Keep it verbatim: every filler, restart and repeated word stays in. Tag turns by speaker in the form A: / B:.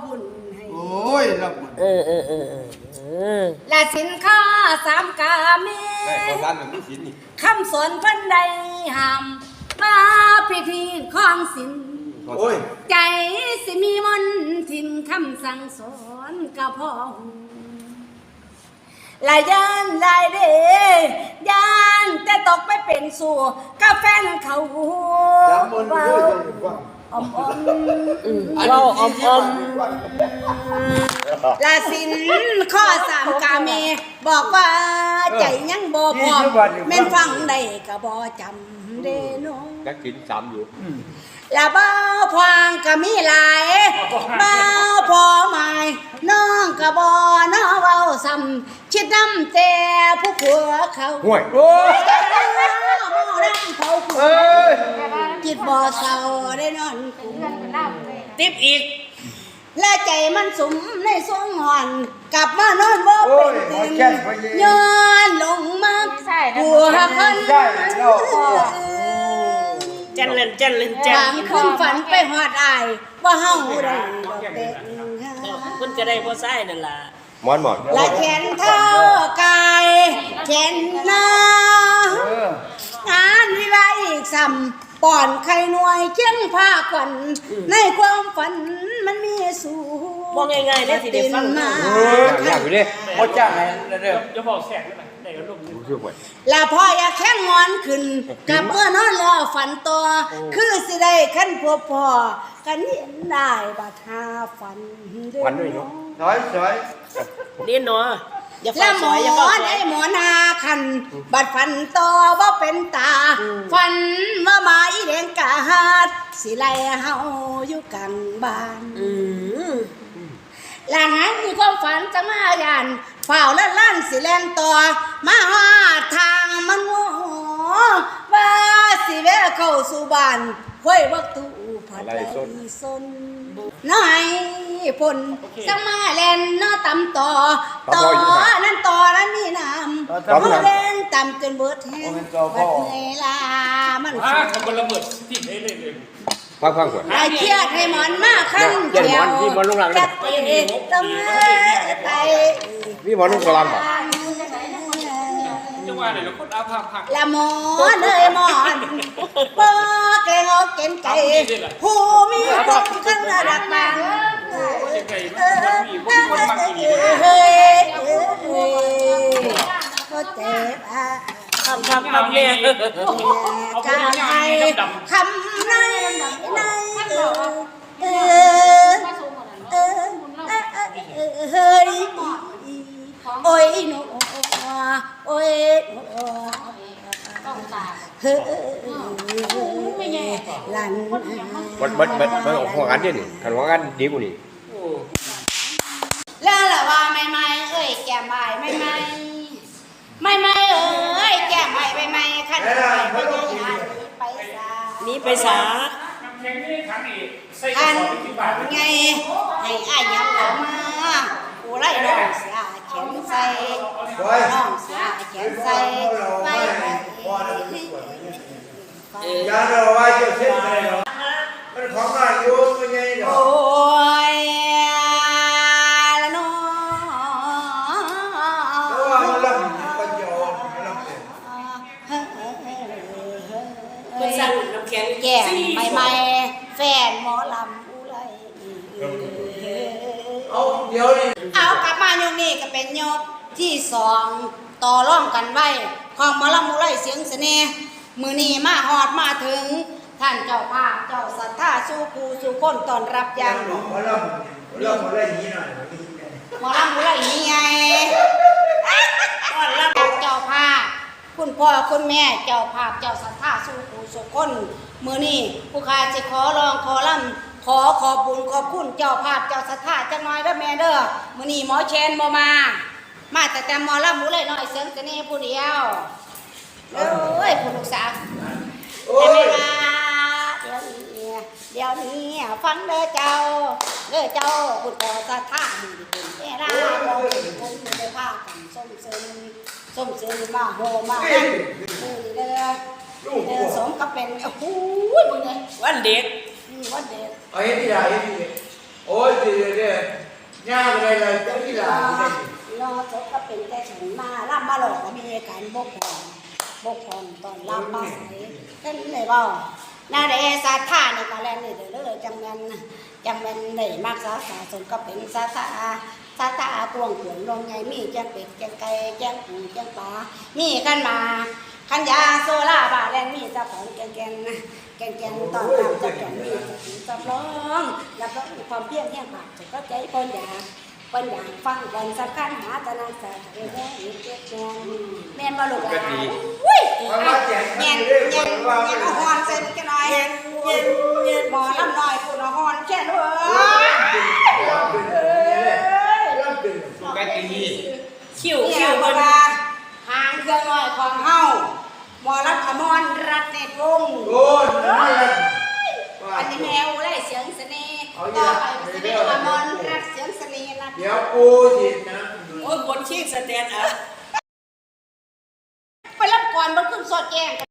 A: บุญให้
B: โอ้ยรับบุญ
C: เออเออเออเออ
A: และสินค้าสามกาเมคำสอนเพิ่นใดห้ามมาพิธีของศิลใจสิมีมนทินคำสั่งสอนก็พอลายยานลายเดยานแต่ตกไปเป็นสู่กาแฟนเขาเบาอมอม
C: เบาอมอม
A: ลาสินข้อสามกาเมบอกว่าใจยังบ่พอแม่นฟังได้ก็บ่จำเด้น้อง
D: นักกินสามอยู่
A: ละเบ้าพวางก็มีหลายเบ้าพอหมายน้องก็บ่น้อเว้าซ้ำคิดน้ำแต่ผู้ผัวเขา
D: ห่วย
A: โอ้ยมอน้ำเขาผัวคิดบ่เศร้าได้นอนติบอีกและใจมันสุมในสวงหอนกลับมานอนบ่เป็นตื่นย้อนลงมาผัวคน
C: จันเล่นจันเล่นจัน
A: บางคืนฝันไปหอดอายว่าเฮาได้ดอกเด็ก
C: คุณจะได้พ่อไส้นั่นล่ะ
D: มอนหมอน
A: และแขนเท้ากายแขนหน้างานวิวาอีกซ้ำป่อนไข่หน่วยเคียงผ้าขวัญในความฝันมันมีสูง
C: บอกง่ายๆเลยที่ได้ฟังมา
D: อยากอยู่ดิพ่อจ้างไงเด้อ
E: จะบอกแสกได้ไหมได้ก็ลูก
A: แล้วพ่ออยากแข้งงอนขึ้นกับเมื่อนอนแล้วฝันตัวคือสิได้ขั้นพบพ่อกันเห็นได้บัดหาฝัน
D: ฝันด้วยเนาะ
B: สอยสอย
C: เรียนเนาะ
A: แล้วหมอได้หมอนาคันบัดฝันต่อว่าเป็นตาฝันว่ามาอีแดงกาดสิไล่เฮาอยู่กลางบ้านหลังนั้นมีความฝันจะมาหยันเฝ้าและล้านสิแลนต่อมาหาทางมันโง่ว่าสิแวะเข้าสู่บ้านห้วยวักตูผัดไหลซนน้อยพนจะมาแลนน้อตำต่อต่อนั้นต่อนั้นมีน้ำเขาเล่นตำจนเบิดแห้งบัดเวลามัน
E: อ่าทำบอลระเบิดที่ไหนเลยเลย
D: พักพักก่อน
A: ไอ้เครียดให้หมอนมากขั้นเดียวจัดเองตำไป
D: นี่หมอนลูกกระลำป่ะ
E: จังหวะไหนเราคนอาภาพัก
A: ละหมอนเลยหมอนปอแกงเอาเก่งใจผู้มีความขึ้นระดับบางเฮ้ยก็เจ็บอ่ะ
C: คำคำคำเนี่ย
A: กายคำในในเออเออเออเฮ้ยโอ้ยหนูโอ้ยเฮ้ยหลาน
D: บัดบัดบัดบัดหัวกันดินี่ขันหัวกันดีกว่านี่
A: แล้วล่ะว่าไม่ไม่เอ้ยแก่ใหม่ไม่ไม่ไม่ไม่เอ้ยแก่ใหม่ไม่ไม่ขันใหม่ไม่ได้หาไปซา
C: นี้ไปสา
A: อันไงให้อายับเข้ามากูไล่น้องเสียเขียนใส่น้องเสียเขียนใส่ไป
B: ยาเราไว้เจ้าเช่นไรเนาะมันของนายโยมเป็นไงเนาะ
A: โอ้ยละน้อง
B: แล้วว่ามันรับปัญญารับเอง
C: เป็นสั่งน้ำแข็ง
A: แก่ใหม่ๆแฟนหมอลำอุไร
B: เอาเดี๋ยวนี้
A: เอากลับมายกนี้ก็เป็นยกที่สองต่อร่องกันไว้ของหมอลำอุไรเสียงเสน่ห์มือนี้มาหอดมาถึงท่านเจ้าภาพเจ้าศรัทธาสู่ผู้สู่คนตอนรับยัง
B: หมอลำหมอลำอะไรอย่างนี้หน่อย
A: หมอลำอะไรอย่างนี้ไงตอนรับเจ้าภาพคุณพ่อคุณแม่เจ้าภาพเจ้าศรัทธาสู่ผู้สู่คนมือนี้ผู้ข้าจะขอร้องขอลำขอขอบบุญขอบคุณเจ้าภาพเจ้าศรัทธาจังน้อยเด้อแม่เด้อมือนี้หมอเชนบ่มามาแต่แต่หมอลำหมูเลยน้อยเสียงเสน่ห์ผู้เดียวเอ้ยผู้ลูกสาวแต่ไม่มาเดี๋ยวนี้เดี๋ยวนี้ฟังเด้อเจ้าเด้อเจ้าคุณพ่อศรัทธาดีเป็นเวลาเราเป็นคนไม่ได้พากันส้มเซินส้มเซินมาโหมานั่นมือเด้อเด้อสมกับเป็นโอ้โหมึงไง
C: วันเด็ก
A: วันเด็ก
B: เอาเฮ็ดที่ใดเฮ็ดที่โอ้ยดีเนี่ยย่างอะไรเลยเจ้าที่หลาน
A: รอศพก็เป็นแต่ฉันมาล่ำมาหลอกก็มีการบกพร่องบกพร่องตอนล่ำมาใส่เห็นเลยบ่นาเดสาธานี่ก็แลนี่เด้อเลยจังแม่นจังแม่นได้มักษาสาสมก็เป็นสาธาสาธากวงขวงลงไงมีแจ้งเป็ดแจ้งไก่แจ้งปูแจ้งปลามีกันมาขันยาโซล่าบาแลนมีเจ้าของแกงแกงแกงแกงตอนรับเจ้าของมีเจ้าร้องรับร้องความเพียรแห่งปากจะก็ใจคนอยากคนอยากฟังคนสำคัญหาตะนังสาเรื่องอีกเจ็ดแกงแม่นบ่ลูกหลานอุ้ย
B: มันมาแจก
A: เย็น
B: เรื่
A: เย็น
B: ว่า
A: เย็นเอาฮอนใส่มันกันหน่อย
C: เย็นเย็นเย็น
A: หมอลำหน่อยคุณเอาฮอนแค่ด้วย
B: รับดึง
E: กะตี
C: คิ้ว
A: เนี่
C: คิ้
A: ยว เว
C: มัน
A: ลาหางเครื่องหน่อยของเฮาหมอลำอมรรัตน์เนตรวงศ์
B: โอ้ยนั่นแหละ
A: อันนี้แมวไล่เสียงเสน่ห์ต่อไปจะเป็นอมรรัตน์เสียงเสน่ห์นะ
B: เดี๋ยวกูจิตนะ
C: โอ้ยบนชิงสแตนด์อัพ
A: ไปรับก่อนบนขึ้นสอดแจ้ง